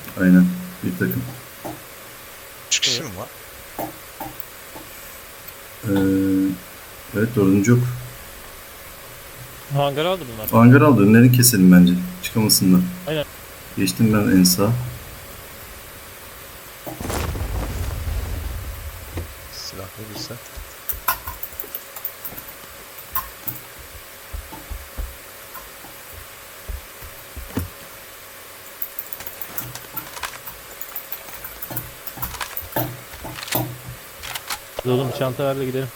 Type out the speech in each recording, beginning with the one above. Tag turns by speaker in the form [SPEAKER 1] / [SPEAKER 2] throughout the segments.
[SPEAKER 1] Aynen. Bir takım.
[SPEAKER 2] 3 kişi mi var?
[SPEAKER 1] Ee, evet dördüncü yok.
[SPEAKER 3] Hangar aldı bunlar.
[SPEAKER 1] Hangar aldı. Önlerini keselim bence. Çıkamasınlar.
[SPEAKER 3] Aynen.
[SPEAKER 1] Geçtim ben en sağa.
[SPEAKER 2] Silah verirse.
[SPEAKER 3] Biz oğlum bir çanta ver de gidelim.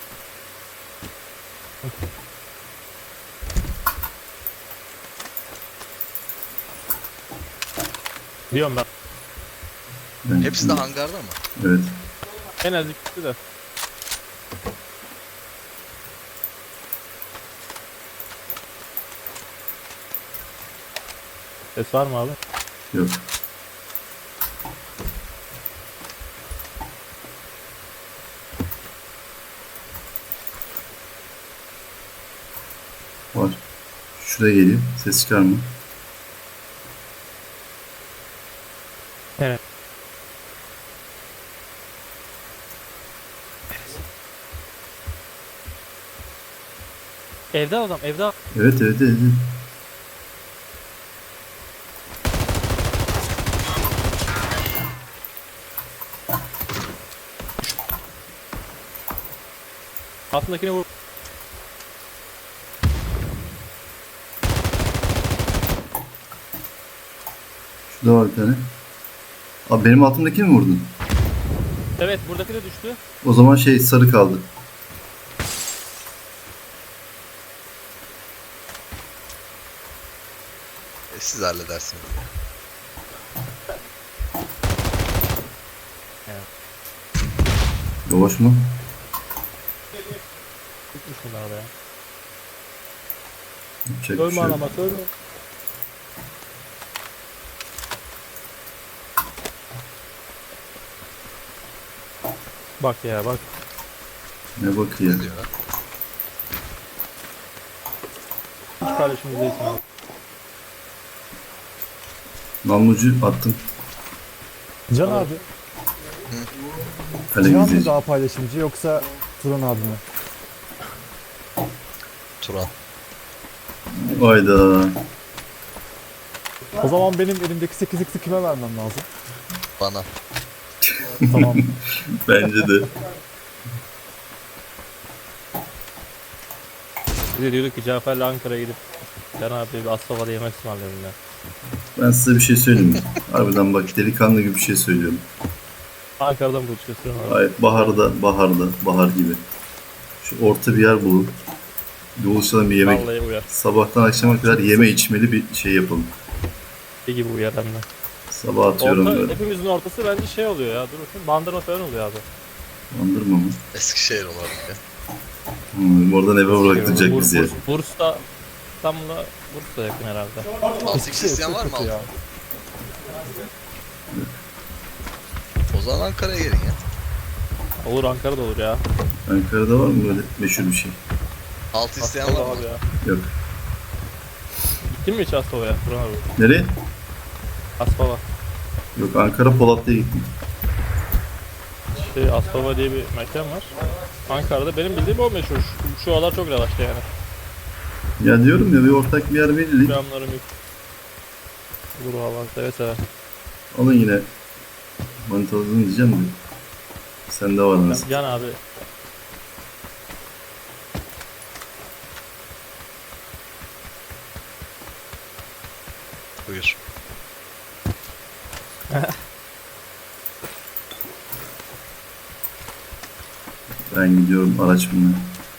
[SPEAKER 3] Diyorum ben.
[SPEAKER 2] Hepsi de hangarda mı?
[SPEAKER 1] Evet.
[SPEAKER 3] En az ikisi de. Ses var mı abi?
[SPEAKER 1] Yok. Var. Şuraya geliyor. Ses çıkarma.
[SPEAKER 3] Evet. Evde adam, evde.
[SPEAKER 1] Evet evet evet.
[SPEAKER 3] Altındakini vur.
[SPEAKER 1] Şurada var bir tane. Abi benim altımdakini mi vurdun?
[SPEAKER 3] Evet, buradaki de düştü.
[SPEAKER 1] O zaman şey sarı kaldı.
[SPEAKER 2] Siz halledersiniz.
[SPEAKER 1] Yavaş mı?
[SPEAKER 3] Tutmuş bunlar da ya.
[SPEAKER 1] Yapacak bir
[SPEAKER 3] Ölme
[SPEAKER 1] şey yok.
[SPEAKER 3] alamak, ölme. Bak ya, bak.
[SPEAKER 1] Ne bakıyor?
[SPEAKER 2] Ne diyor lan?
[SPEAKER 3] Hiç kardeşimiz değilsin abi.
[SPEAKER 1] Namlucu attım.
[SPEAKER 4] Can abi,
[SPEAKER 1] Kalem
[SPEAKER 4] Cihan mı
[SPEAKER 1] izleyici.
[SPEAKER 4] daha paylaşımcı yoksa Turan abi mi?
[SPEAKER 2] Turan.
[SPEAKER 1] Hayda.
[SPEAKER 4] O zaman benim elimdeki 8x'i kime vermem lazım?
[SPEAKER 2] Bana.
[SPEAKER 4] Tamam.
[SPEAKER 1] Bence de.
[SPEAKER 3] Biz de diyorduk ki Cafer'le Ankara'ya gidip Can abi bir Asfalt'a yemek ısmarlayalım ya.
[SPEAKER 1] Ben size bir şey söyleyeyim mi? Harbiden bak delikanlı gibi bir şey söylüyorum.
[SPEAKER 3] Ankara'dan buluşuyorsun abi.
[SPEAKER 1] Ay, bahar gibi. Şu orta bir yer bulup buluşalım bir yemek.
[SPEAKER 3] Vallahi uyar.
[SPEAKER 1] Sabahtan akşama kadar yeme içmeli bir şey yapalım.
[SPEAKER 3] Bir gibi uyar hem de.
[SPEAKER 1] Sabah atıyorum
[SPEAKER 3] Orta,
[SPEAKER 1] böyle.
[SPEAKER 3] hepimizin ortası bence şey oluyor ya. Dur bakayım. Bandırma falan oluyor abi.
[SPEAKER 1] Andırma mı?
[SPEAKER 2] Eskişehir olarak ya.
[SPEAKER 1] Oradan eve bıraktıracak bizi ya.
[SPEAKER 3] Burs'ta İstanbul'a Burs'a yakın herhalde.
[SPEAKER 2] 6x isteyen var mı?
[SPEAKER 4] Kötü ya.
[SPEAKER 2] O zaman Ankara'ya gelin ya.
[SPEAKER 3] Olur, Ankara'da olur ya.
[SPEAKER 1] Ankara'da var mı böyle meşhur bir şey?
[SPEAKER 2] 6 isteyen var
[SPEAKER 3] Asfalt'a
[SPEAKER 2] mı?
[SPEAKER 3] abi ya.
[SPEAKER 1] Yok.
[SPEAKER 3] Gittin mi hiç Asfalt'a? Buran abi.
[SPEAKER 1] Nereye?
[SPEAKER 3] Asfalt'a.
[SPEAKER 1] Yok Ankara Polatlı'ya gittim.
[SPEAKER 3] Aspava diye bir mekan var. Ankara'da benim bildiğim o meşhur. Şu aralar çok revaçta yani.
[SPEAKER 1] Ya diyorum ya bir ortak bir yer belirleyin.
[SPEAKER 3] Programlarım yok. Olur valla seve seve.
[SPEAKER 1] Alın yine manitaladın diyeceğim de. Sende var nasıl?
[SPEAKER 3] Can abi.
[SPEAKER 2] Buyur.
[SPEAKER 1] Ben gidiyorum araç bulmaya.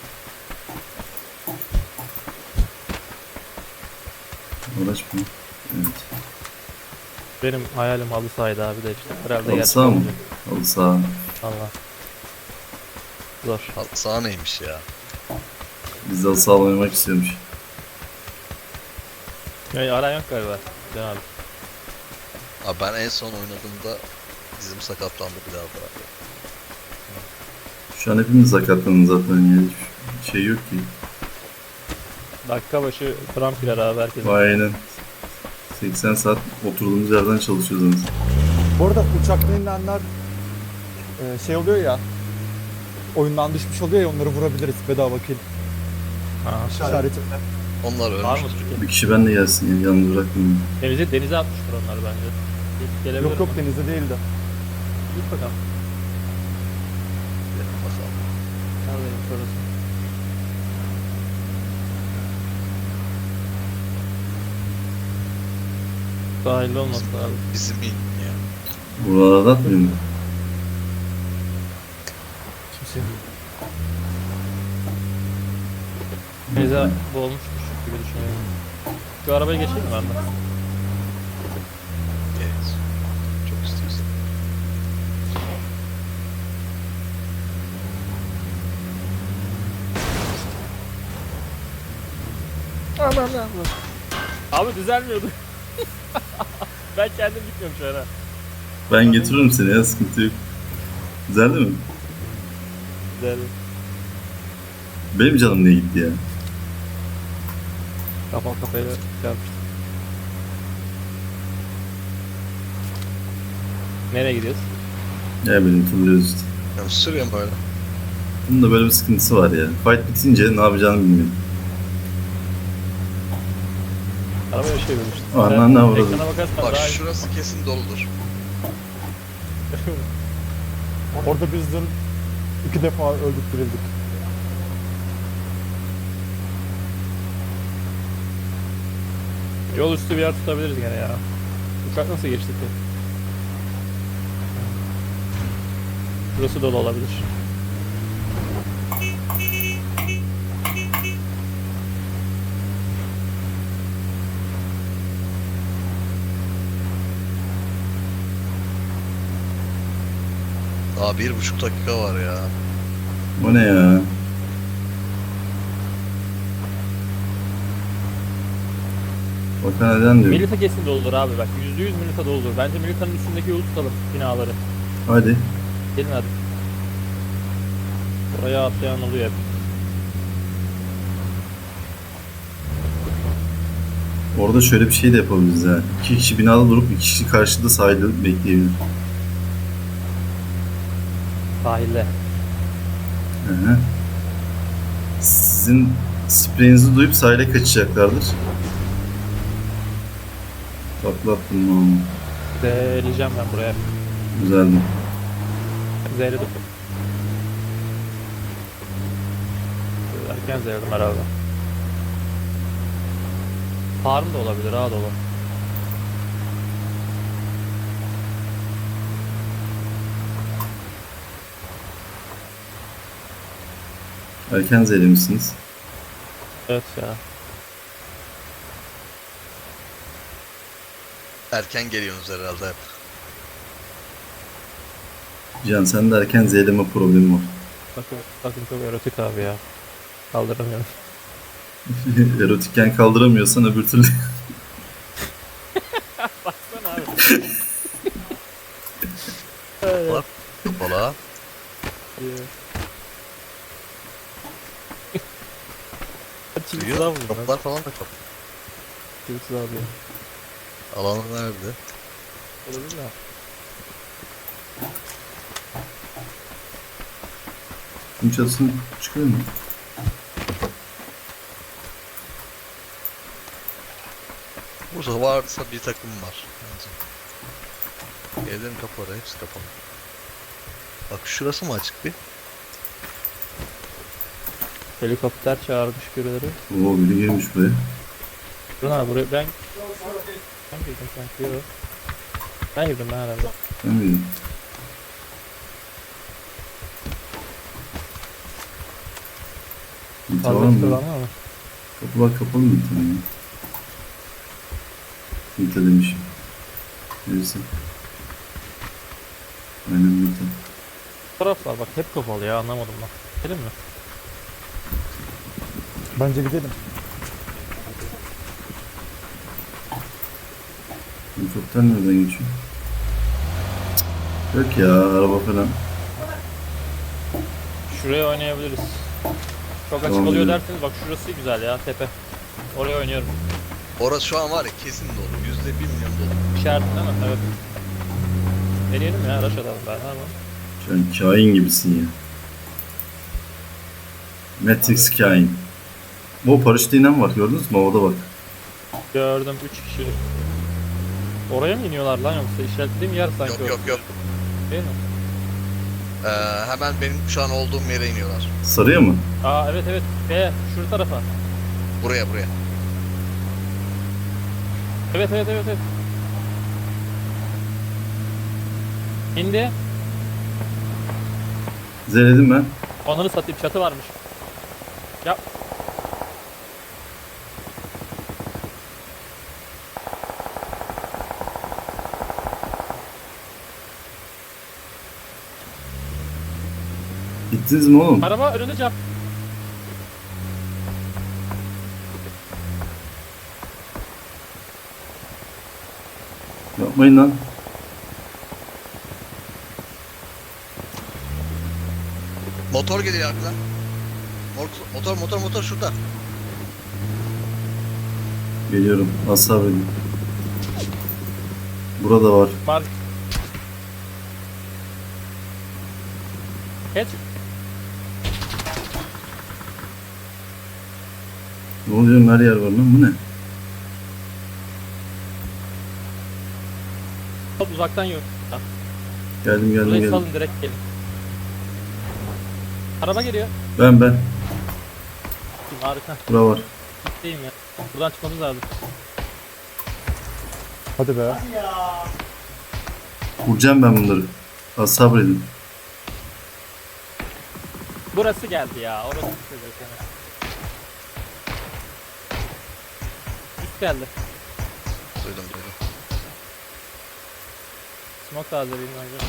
[SPEAKER 1] Araç mı? Evet.
[SPEAKER 3] Benim hayalim halı sahaydı abi de işte. Herhalde
[SPEAKER 1] Halı
[SPEAKER 3] gerçek
[SPEAKER 1] saha mı?
[SPEAKER 3] olacak.
[SPEAKER 1] Halı saha.
[SPEAKER 3] Valla. Zor.
[SPEAKER 2] Sağ neymiş ya?
[SPEAKER 1] Biz de halı saha oynamak istiyormuş.
[SPEAKER 3] Yani aran yok galiba. Can abi.
[SPEAKER 2] Abi ben en son oynadığımda dizim sakatlandı, bir daha bıraktım.
[SPEAKER 1] Şu an hepimiz sakatlanın zaten ya. Hiçbir şey yok ki.
[SPEAKER 3] Dakika başı Trump iler abi herkes.
[SPEAKER 1] Aynen. 80 saat oturduğumuz yerden çalışıyoruz.
[SPEAKER 4] Bu arada uçaktan inenler şey oluyor ya. Oyundan düşmüş oluyor ya, onları vurabiliriz bedava kill.
[SPEAKER 3] Ha.
[SPEAKER 4] İşareti.
[SPEAKER 2] Onlar
[SPEAKER 3] Var mı
[SPEAKER 2] ölmüş.
[SPEAKER 3] Türkiye?
[SPEAKER 1] Bir kişi benle gelsin yani, yalnız bırakmayın.
[SPEAKER 3] Denize atmıştır onlar bence. Git gelebilir
[SPEAKER 4] Yok yok,
[SPEAKER 3] mi?
[SPEAKER 4] denizde değildi.
[SPEAKER 3] Git bakalım.
[SPEAKER 2] Basalım.
[SPEAKER 3] Neredeyim sonrası? Sahilde olması lazım.
[SPEAKER 2] Bizim in ya.
[SPEAKER 1] Buralarda atmıyor mu?
[SPEAKER 3] Kimse. Denize boğulmuştur gibi düşünüyorum. Şu arabayı geçeyim mi ben de?
[SPEAKER 2] Evet. Çok istiyorsan.
[SPEAKER 3] Abi düzelmiyordu. Ben kendim gitmiyorum şu an.
[SPEAKER 1] Ben getiririm seni ya, sıkıntı yok. Güzeldi mi?
[SPEAKER 3] Güzel.
[SPEAKER 1] Benim canım niye gitti ya?
[SPEAKER 3] Kafa kafaya çarpıştık. Nereye gidiyoruz?
[SPEAKER 1] Ya benim turluyoruz işte.
[SPEAKER 2] Ya sürüyorum böyle.
[SPEAKER 1] Bunun da böyle bir sıkıntısı var ya. Fight bitince ne yapacağını bilmiyorum.
[SPEAKER 3] Arabaya şey vermiştim.
[SPEAKER 1] Anan ne avradı.
[SPEAKER 3] Ekrana bakarsan
[SPEAKER 2] Bak
[SPEAKER 3] daha iyi.
[SPEAKER 2] şurası kesin doludur.
[SPEAKER 4] Orada biz dün 2 defa öldük dirildik.
[SPEAKER 3] Yol üstü bir yer tutabiliriz gene ya. Uçak nasıl geçtik ya? Burası dolu olabilir.
[SPEAKER 2] Daha 1,5 dakika var ya.
[SPEAKER 1] O ne ya? Bakan neden diyor.
[SPEAKER 3] Milita kesin doludur abi bak. %100 Milita doludur. Bence Milita'nın üstündeki yolu tutalım binaları.
[SPEAKER 1] Hadi.
[SPEAKER 3] Gelin hadi. Oraya atlayan oluyor hep.
[SPEAKER 1] Orada şöyle bir şey de yapabiliriz ha. 2 kişi binada durup 2 kişi karşıda sahilde bekleyebilir.
[SPEAKER 3] Sahilde.
[SPEAKER 1] Hı hı. Sizin spreyinizi duyup sahile kaçacaklardır. Patlattım onu.
[SPEAKER 3] Zeleyeceğim ben buraya.
[SPEAKER 1] Güzeldi.
[SPEAKER 3] Zeyledim. Erken zeyledim herhalde. Farm da olabilir ha dolu.
[SPEAKER 1] Erken zehirlemişsiniz.
[SPEAKER 3] Evet ya.
[SPEAKER 2] Erken geliyorsunuz herhalde hep.
[SPEAKER 1] Can sen de erken zehirleme problemi var.
[SPEAKER 3] Bakın çok erotik abi ya. Kaldıramıyorum.
[SPEAKER 1] Erotikken kaldıramıyorsan öbür türlü.
[SPEAKER 3] Baksana abi.
[SPEAKER 2] Bak kapalı ha.
[SPEAKER 3] Çilsiz abi bunlar.
[SPEAKER 2] Kapılar falan da kapalı.
[SPEAKER 3] Çilsiz abi.
[SPEAKER 2] Alanı nerede?
[SPEAKER 3] Olabilir mi?
[SPEAKER 1] Bunun çatısını çıkıyor mu?
[SPEAKER 2] Burada varsa bir takım var. Bence. Evlerin kapıları hepsi kapalı. Bak şurası mı açık bir?
[SPEAKER 3] Helikopter çağırmış birileri.
[SPEAKER 1] Oo, biri girmiş buraya.
[SPEAKER 3] Durun abi buraya ben girdim sanki. Yok. Ben girdim ben herhalde.
[SPEAKER 1] Ben miydim? Bir
[SPEAKER 3] Fazla
[SPEAKER 1] tamam
[SPEAKER 3] çıkıyor
[SPEAKER 1] mı?
[SPEAKER 3] ama.
[SPEAKER 1] Kapılar kapalı mı bir tane ya? Mita demişim. Neyse. Aynen Mita.
[SPEAKER 3] Taraflar bak hep kapalı ya anlamadım ben. Gidelim mi?
[SPEAKER 4] Bence gidelim.
[SPEAKER 1] Helikopter nereden geçiyor? Cık, yok ya, araba falan.
[SPEAKER 3] Şuraya oynayabiliriz. Çok açık
[SPEAKER 1] Tamam,
[SPEAKER 3] oluyor
[SPEAKER 1] gidelim.
[SPEAKER 3] derseniz bak şurası güzel ya tepe. Oraya oynuyorum.
[SPEAKER 2] Orası şu an var ya kesin dolu. %1 milyon dolu.
[SPEAKER 3] İşaretin değil mi? Evet. Deneyelim ya, araç alalım ben. Ne yapalım?
[SPEAKER 1] Sen kain gibisin ya. Matrix kain. O paraşütle inen var, gördünüz mü? Havada bak.
[SPEAKER 3] Gördüm 3 kişi. Oraya mı iniyorlar lan, yoksa işaretlediğim yer sanki
[SPEAKER 2] Yok
[SPEAKER 3] o.
[SPEAKER 2] yok yok.
[SPEAKER 3] Değil mi?
[SPEAKER 2] Hemen benim şu an olduğum yere iniyorlar.
[SPEAKER 1] Sarıya mı?
[SPEAKER 3] Aa evet evet. Şu tarafa.
[SPEAKER 2] Buraya.
[SPEAKER 3] Evet evet evet evet. İndi.
[SPEAKER 1] Zeledim ben.
[SPEAKER 3] Onları satayım, çatı varmış. Ya
[SPEAKER 1] Gittiniz mi oğlum?
[SPEAKER 3] araba önünde cam.
[SPEAKER 1] Yapmayın lan.
[SPEAKER 2] Motor geliyor arkadan. Motor şurada.
[SPEAKER 1] Geliyorum. Az sabredin. Burada var.
[SPEAKER 3] Mark. Geç.
[SPEAKER 1] Ne oluyor? Her yer var lan. Bu ne?
[SPEAKER 3] Hop, uzaktan yürü.
[SPEAKER 1] Geldim
[SPEAKER 3] Burayı salın, direkt gelin. Araba geliyor.
[SPEAKER 1] Ben.
[SPEAKER 3] Harika.
[SPEAKER 1] Bura var.
[SPEAKER 3] Gitteyim ya. Buradan çıkmamız lazım.
[SPEAKER 4] Hadi be.
[SPEAKER 1] Vuracağım ben bunları. Az sabredin.
[SPEAKER 3] Burası geldi ya. Orası çözecek yani. Üst geldi.
[SPEAKER 2] Duydum.
[SPEAKER 3] Smoke tazeleyeyim bence.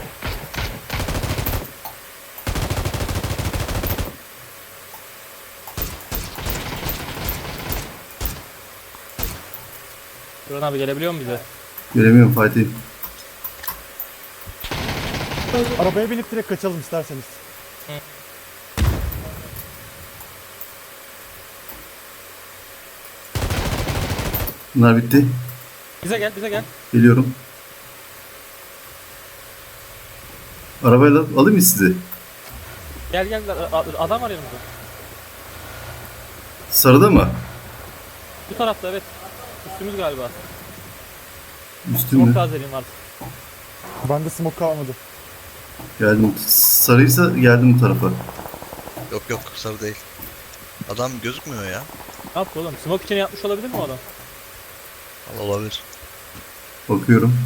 [SPEAKER 3] Duran abi gelebiliyor mu bize?
[SPEAKER 1] Göremiyorum Fatih.
[SPEAKER 4] Arabaya binip direkt kaçalım isterseniz.
[SPEAKER 1] Bunlar bitti.
[SPEAKER 3] Bize gel.
[SPEAKER 1] Geliyorum. Arabayla alayım mı sizi?
[SPEAKER 3] Gel. Adam var yanımızda.
[SPEAKER 1] Sarıda mı?
[SPEAKER 3] Bu tarafta evet. Üstümüz galiba.
[SPEAKER 1] Üstüm
[SPEAKER 3] Smoke
[SPEAKER 1] mü?
[SPEAKER 3] tazeleyeyim artık.
[SPEAKER 4] Bende smoke kalmadı.
[SPEAKER 1] Geldim. Sarıysa geldim bu tarafa.
[SPEAKER 2] Yok sarı değil. Adam gözükmüyor ya.
[SPEAKER 3] Ne yaptı oğlum? Smoke için yapmış olabilir mi o adam?
[SPEAKER 2] Olabilir.
[SPEAKER 1] Bakıyorum.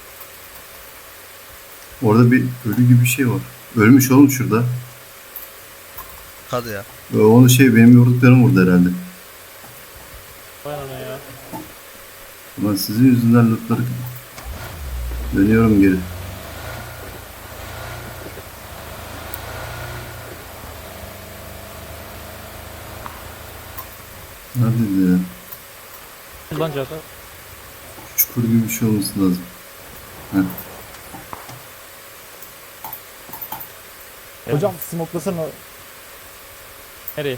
[SPEAKER 1] Orada bir ölü gibi bir şey var. Ölmüş oğlum şurada.
[SPEAKER 2] Hadi ya.
[SPEAKER 1] Onu benim yorduklarım vurdu herhalde.
[SPEAKER 3] Vay ana ya.
[SPEAKER 1] Ulan sizin yüzünden lootları... Dönüyorum geri. Neredeydi ya?
[SPEAKER 3] Lan Cafer.
[SPEAKER 1] Çukur gibi bir şey olması lazım. Heh.
[SPEAKER 3] Evet.
[SPEAKER 4] Hocam smoke'lasana.
[SPEAKER 3] Nereye?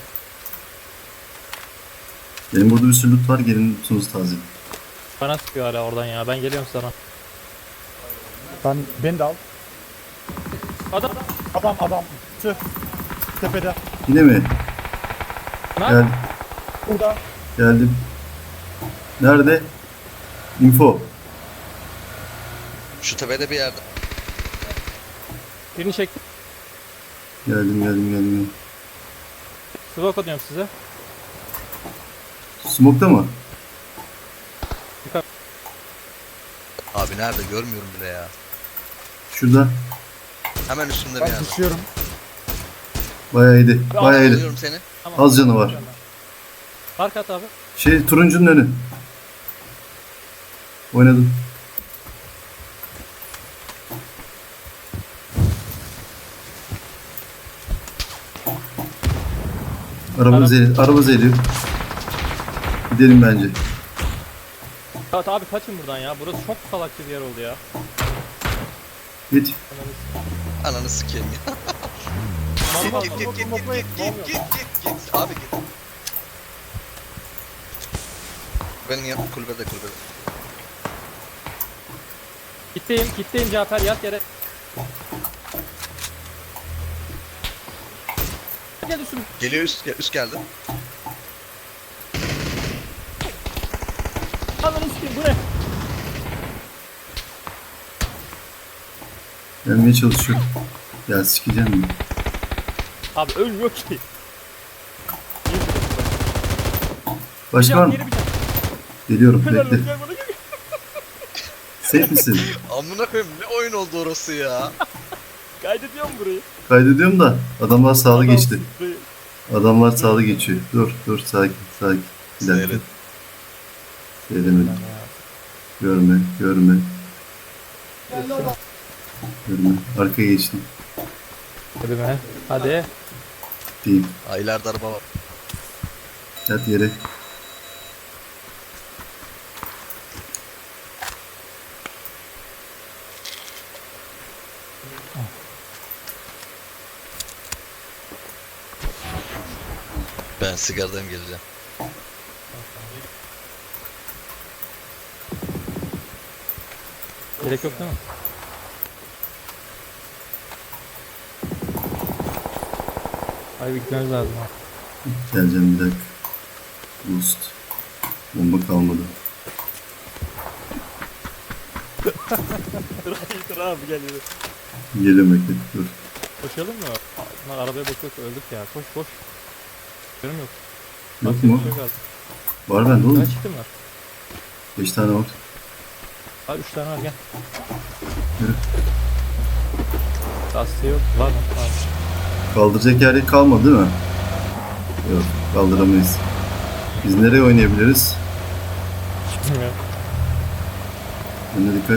[SPEAKER 1] Benim burada bir sürü loot var. Gelin lootunuzu taze.
[SPEAKER 3] Bana sıkıyor hala oradan ya. Ben geliyorum sana.
[SPEAKER 4] Beni de al.
[SPEAKER 3] Adam.
[SPEAKER 4] Adam. Tüh. Tepede.
[SPEAKER 1] Yine mi?
[SPEAKER 3] Ne
[SPEAKER 1] Gel,
[SPEAKER 4] Burada.
[SPEAKER 1] geldim. Nerede? Info.
[SPEAKER 2] Şu tepede bir yerde.
[SPEAKER 3] Birini çektim.
[SPEAKER 1] Geldim.
[SPEAKER 3] Smoke atıyorum size.
[SPEAKER 1] Smoke'ta mı?
[SPEAKER 2] Abi nerede görmüyorum bile ya.
[SPEAKER 1] Şurada.
[SPEAKER 2] Hemen üstünde bir
[SPEAKER 4] Ben
[SPEAKER 2] yerde.
[SPEAKER 4] düşüyorum.
[SPEAKER 1] Bayağı iyiydi. Bayağı iyiydi.
[SPEAKER 2] Alıyorum seni.
[SPEAKER 3] Tamam.
[SPEAKER 1] Az canı var.
[SPEAKER 3] Park at abi.
[SPEAKER 1] Turuncunun önü. Oynadım. Araba zeliyor. Gidelim bence.
[SPEAKER 3] Evet abi kaçın buradan ya. Burası çok salakça bir yer oldu ya.
[SPEAKER 1] Git.
[SPEAKER 2] Ananı sikeyim ya. Git. Abi git. Benim yanım kulübede.
[SPEAKER 3] Kitleyim Cafer, yat yere. Gel üstüme.
[SPEAKER 2] Geliyor üst geldi.
[SPEAKER 3] Ananı sikeyim, bu ne?
[SPEAKER 1] Gelmeye çalışıyor. Ya sikeceğim mi?
[SPEAKER 3] Abi ölmüyor ki.
[SPEAKER 1] Başka var mı?
[SPEAKER 3] Geri bir tane.
[SPEAKER 1] Geliyorum
[SPEAKER 3] Helal
[SPEAKER 1] bekle.
[SPEAKER 3] olsun, gel bana gel.
[SPEAKER 1] Safe misin?
[SPEAKER 2] Amına koyayım ne oyun oldu orası ya.
[SPEAKER 3] Kaydediyor mu burayı?
[SPEAKER 1] Kaydediyorum da adamlar sağlı
[SPEAKER 3] Adam
[SPEAKER 1] geçti.
[SPEAKER 3] burayı-
[SPEAKER 1] Adamlar sağlı geçiyor. Dur sakin. Bir dakika.
[SPEAKER 2] Seyret.
[SPEAKER 1] Seyredemedim. Görme. Arkaya geçtim.
[SPEAKER 3] Hadi be. Hadi.
[SPEAKER 1] Değil.
[SPEAKER 2] Aa ileride araba var.
[SPEAKER 1] Yat yere.
[SPEAKER 2] Ben sigaradan geleceğim.
[SPEAKER 3] Gerek yok değil mi? Ay bir gitmemiz lazım ha.
[SPEAKER 1] Geleceğim bir dakika. Boost. Bomba kalmadı.
[SPEAKER 3] Dur abi geliyor.
[SPEAKER 1] Geliyorum bekle. Dur.
[SPEAKER 3] Koşalım mı? Bunlar arabaya bakıyorsa öldük ya. Koş. Görüm yok.
[SPEAKER 1] Yok
[SPEAKER 3] Bak,
[SPEAKER 1] mu?
[SPEAKER 3] bir şey kaldı.
[SPEAKER 1] Var bende oğlum.
[SPEAKER 3] Kaç kitim var?
[SPEAKER 1] 5 tane var.
[SPEAKER 3] Var 3 tane var gel.
[SPEAKER 1] Yürü.
[SPEAKER 3] Lastiği yok. Var mı? Var.
[SPEAKER 1] Kaldıracak yer kalmadı değil mi? Yok. Kaldıramayız. Biz nereye oynayabiliriz?
[SPEAKER 3] Bilmiyorum.
[SPEAKER 1] Önüne dikkat.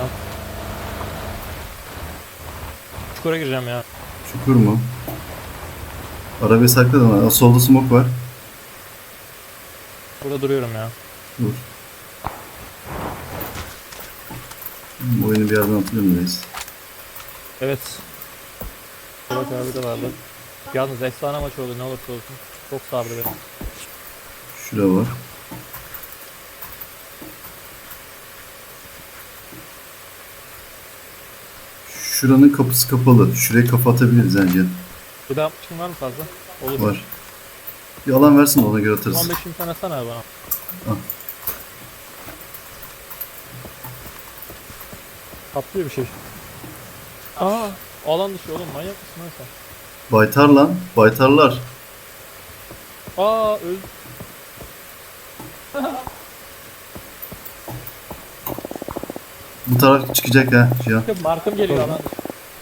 [SPEAKER 3] Çukura gireceğim ya.
[SPEAKER 1] Çukur mu? Arabayı sakladım. Ha, solda smoke var.
[SPEAKER 3] Burada duruyorum ya.
[SPEAKER 1] Dur. Bu oyunu bir yerden hatırlıyor muyuz?
[SPEAKER 3] Evet. Evet abi de vardı. Yalnız efsane maç oldu ne olursa olsun. Çok sardı beni.
[SPEAKER 1] Şura var. Şuranın kapısı kapalı. Şuraya kafa atabiliriz bence.
[SPEAKER 3] Bir daha için var mı fazla? Olur.
[SPEAKER 1] Var. Bir alan versin de ona göre atarız.
[SPEAKER 3] 15 bin tane sana bana.
[SPEAKER 1] Al.
[SPEAKER 3] Kaplıyor bir şey. Aa, alan dışı oğlum manyak mısın lan sen?
[SPEAKER 1] Baytar lan. Baytarlar.
[SPEAKER 3] Aa öl.
[SPEAKER 1] Bu taraf çıkacak ha. Cihan.
[SPEAKER 3] Markım geliyor alan dışı.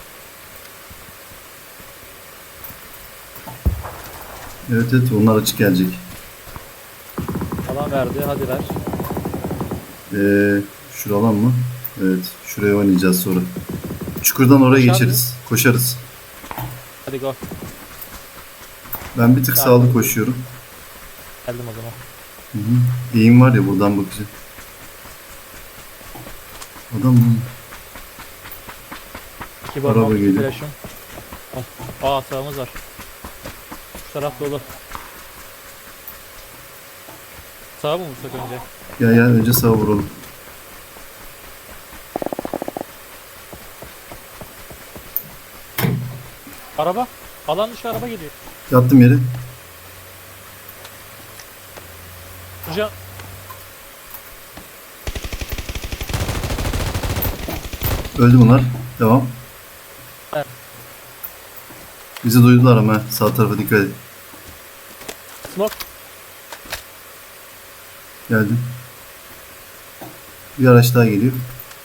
[SPEAKER 1] Evet onlar açık gelecek.
[SPEAKER 3] Alan verdi hadi ver.
[SPEAKER 1] Şura alan mı? Evet. Şuraya oynayacağız sonra. Çukurdan oraya
[SPEAKER 3] Koşar
[SPEAKER 1] geçeriz. Koşarız.
[SPEAKER 3] Hadi go.
[SPEAKER 1] Ben bir tık sağlı koşuyorum.
[SPEAKER 3] Geldim o zaman.
[SPEAKER 1] Hı hı. Eğim var ya buradan bakacağım. Adam mı?
[SPEAKER 3] 2
[SPEAKER 1] Araba
[SPEAKER 3] bomba
[SPEAKER 1] geliyor.
[SPEAKER 3] flash'ım. Aa sağımız var. Şu taraf dolu. Sağa mı vursak önce?
[SPEAKER 1] Ya önce sağa vuralım.
[SPEAKER 3] Araba. Alan dışı araba geliyor.
[SPEAKER 1] Yattım yere.
[SPEAKER 3] Can.
[SPEAKER 1] Öldü bunlar. Devam.
[SPEAKER 3] Evet.
[SPEAKER 1] Bizi duydular ama sağ tarafa dikkat et.
[SPEAKER 3] Smoke.
[SPEAKER 1] Geldim. Bir araç daha geliyor.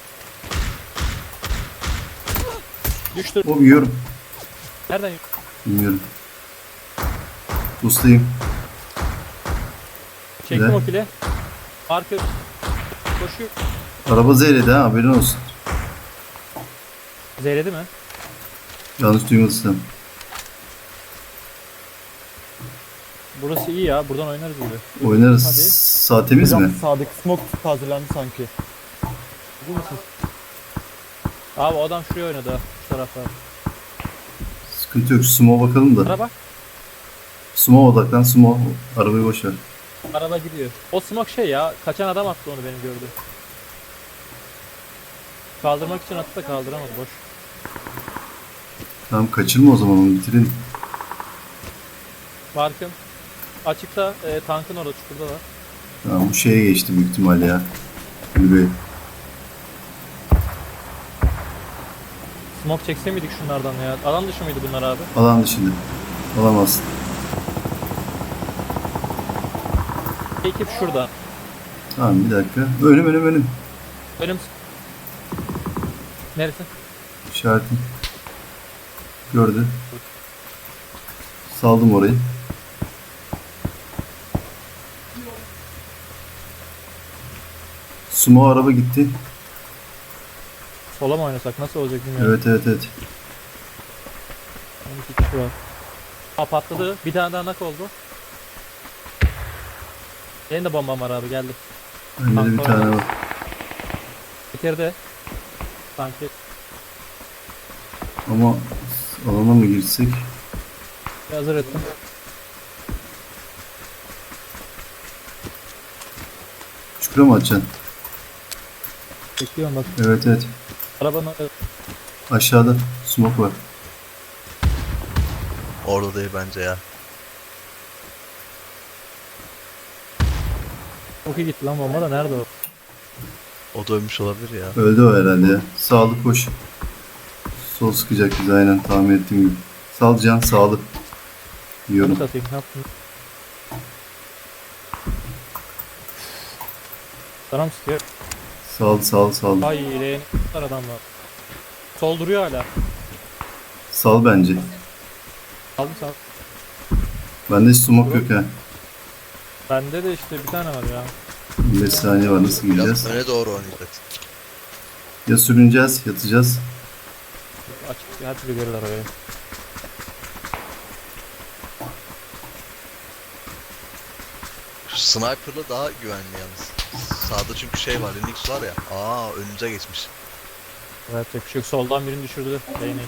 [SPEAKER 3] Düştü.
[SPEAKER 1] O yiyorum.
[SPEAKER 3] Nereden?
[SPEAKER 1] Bilmiyorum. Ustayım.
[SPEAKER 3] Çektim
[SPEAKER 1] Ne?
[SPEAKER 3] o kile. Marker. Koşuyor.
[SPEAKER 1] Araba zeyredi ha haberin olsun.
[SPEAKER 3] Zeyledi mi?
[SPEAKER 1] Yanlış duymadıysam.
[SPEAKER 3] Burası iyi ya. Buradan oynarız gibi.
[SPEAKER 1] Oynarız.
[SPEAKER 3] Hadi.
[SPEAKER 1] Sağ temiz
[SPEAKER 4] Hocam
[SPEAKER 1] mi?
[SPEAKER 4] sağdaki smoke hazırlandı sanki.
[SPEAKER 3] Değil misin? Abi o adam şuraya oynadı ha. Şu tarafa.
[SPEAKER 1] Sıkıntı yok. Sumo bakalım da.
[SPEAKER 3] Araba.
[SPEAKER 1] Sumo odaklan. Sumo. Arabayı boş ver.
[SPEAKER 3] Araba gidiyor. O smoke şey ya. Kaçan adam attı onu benim gördüğüm. Kaldırmak için attı da kaldıramadı. Boş.
[SPEAKER 1] Tamam kaçırma o zaman onu bitirin.
[SPEAKER 3] Markım. Açıkta tankın orada çukurda var.
[SPEAKER 1] Tamam bu şeye geçti büyük ihtimal ya. Kulübe.
[SPEAKER 3] Smoke çekse miydik şunlardan ya? Alan dışı mıydı bunlar abi?
[SPEAKER 1] Alan dışında. Alamazsın.
[SPEAKER 3] Ekip şurada.
[SPEAKER 1] Tamam bir dakika. Önüm.
[SPEAKER 3] Önüm. Neresi?
[SPEAKER 1] İşaretim. Gördü. Saldım orayı. Sumo araba gitti.
[SPEAKER 3] Sola mı oynasak? Nasıl olacak bilmiyorum.
[SPEAKER 1] Evet.
[SPEAKER 3] 12 kişi var. Aa patladı. Bir tane daha nak oldu. Benim de bombam var abi geldi.
[SPEAKER 1] Bende de bir tane var.
[SPEAKER 3] Bitirdi. Sanki.
[SPEAKER 1] Ama alana mı girsek?
[SPEAKER 3] Hazır ettim.
[SPEAKER 1] Çukura mı atacaksın?
[SPEAKER 3] Bekliyorum bak.
[SPEAKER 1] Evet.
[SPEAKER 3] Arabanın
[SPEAKER 1] Aşağıda smoke var.
[SPEAKER 2] Orada değil bence ya.
[SPEAKER 3] çok iyi gitti lan bomba da nerede o?
[SPEAKER 2] O da ölmüş olabilir ya.
[SPEAKER 1] Öldü o herhalde ya. Sağlı koş. Sol sıkacak bizi aynen tahmin ettiğim gibi. Sal can sağlı.
[SPEAKER 3] Onu
[SPEAKER 1] Yiyorum.
[SPEAKER 3] satayım. Ne yaptın? Sana mı sıkıyor?
[SPEAKER 1] Sal.
[SPEAKER 3] Ay leğen var adamlar. Sol duruyor hala.
[SPEAKER 1] Sal bence.
[SPEAKER 3] Aldım sağ.
[SPEAKER 1] Bende hiç smoke yok ha.
[SPEAKER 3] Bende de işte bir tane var ya.
[SPEAKER 1] 15 saniye var nasıl
[SPEAKER 2] Biraz
[SPEAKER 1] gireceğiz?
[SPEAKER 2] öne doğru oynayacaksın.
[SPEAKER 1] Ya sürüneceğiz yatacağız.
[SPEAKER 3] Açık her türlü görürler orayı.
[SPEAKER 2] Şu sniper'la daha güvenli yalnız. Sağda çünkü şey var, Linux var ya. Aa önümüze geçmiş.
[SPEAKER 3] Evet yapacak bir şey yok. Soldan birini düşürdü. Leğeni.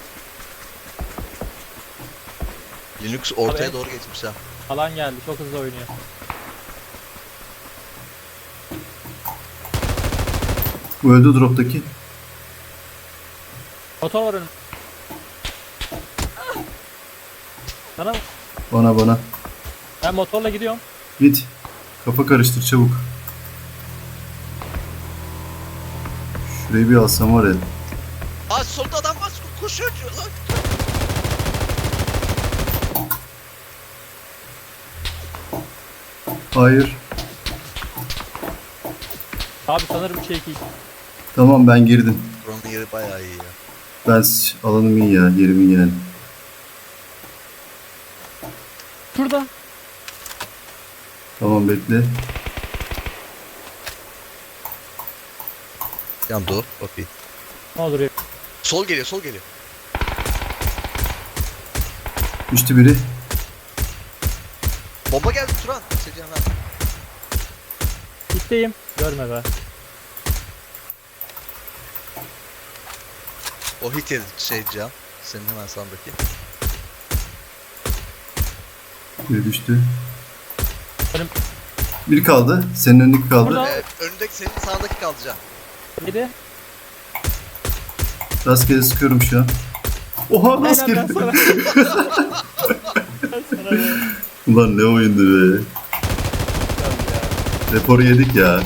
[SPEAKER 2] Linux ortaya
[SPEAKER 3] Abi.
[SPEAKER 2] doğru geçmiş ha.
[SPEAKER 3] Alan geldi. Çok hızlı oynuyor.
[SPEAKER 1] Bu öldü drop'taki.
[SPEAKER 3] Motor var önüm. Sana mı?
[SPEAKER 1] Bana.
[SPEAKER 3] Ben motorla gidiyorum.
[SPEAKER 1] Git. Kafa karıştır çabuk. Şurayı bir alsam var ya.
[SPEAKER 2] Aa solda adam var, koşuyor lan.
[SPEAKER 1] Hayır.
[SPEAKER 3] Abi sanırım şey ki.
[SPEAKER 1] Tamam ben girdim.
[SPEAKER 2] Buranın yeri bayağı iyi ya.
[SPEAKER 1] Ben alanım iyi ya. Yerim iyi yani.
[SPEAKER 3] Şurada.
[SPEAKER 1] Tamam bekle.
[SPEAKER 2] Yandı o. Okey.
[SPEAKER 3] Ne olur ya.
[SPEAKER 2] Sol geliyor, sol geliyor.
[SPEAKER 1] Düştü biri.
[SPEAKER 2] Bomba geldi Turan. Secan ha.
[SPEAKER 3] Gitteyim. Görme be.
[SPEAKER 2] O hit yedi şey Can. Senin hemen sağındaki.
[SPEAKER 1] Biri düştü.
[SPEAKER 3] Benim-
[SPEAKER 1] Biri kaldı. Senin önündeki kaldı.
[SPEAKER 3] Burada.
[SPEAKER 2] Önündeki senin sağındaki kaldı Can.
[SPEAKER 3] Yedi.
[SPEAKER 1] Rastgele sıkıyorum şu an. Oha
[SPEAKER 3] Aynen
[SPEAKER 1] rastgele.
[SPEAKER 3] ben sana. Ben sana be.
[SPEAKER 1] Ulan ne oyundu be. Reporu yedik ya.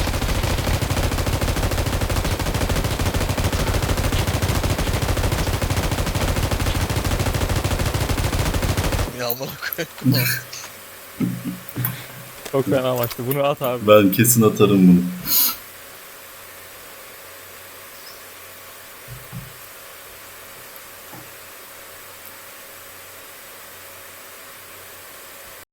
[SPEAKER 2] Ya amına koyayım.
[SPEAKER 3] Çok fena maçtı. Bunu at abi.
[SPEAKER 1] Ben kesin atarım bunu.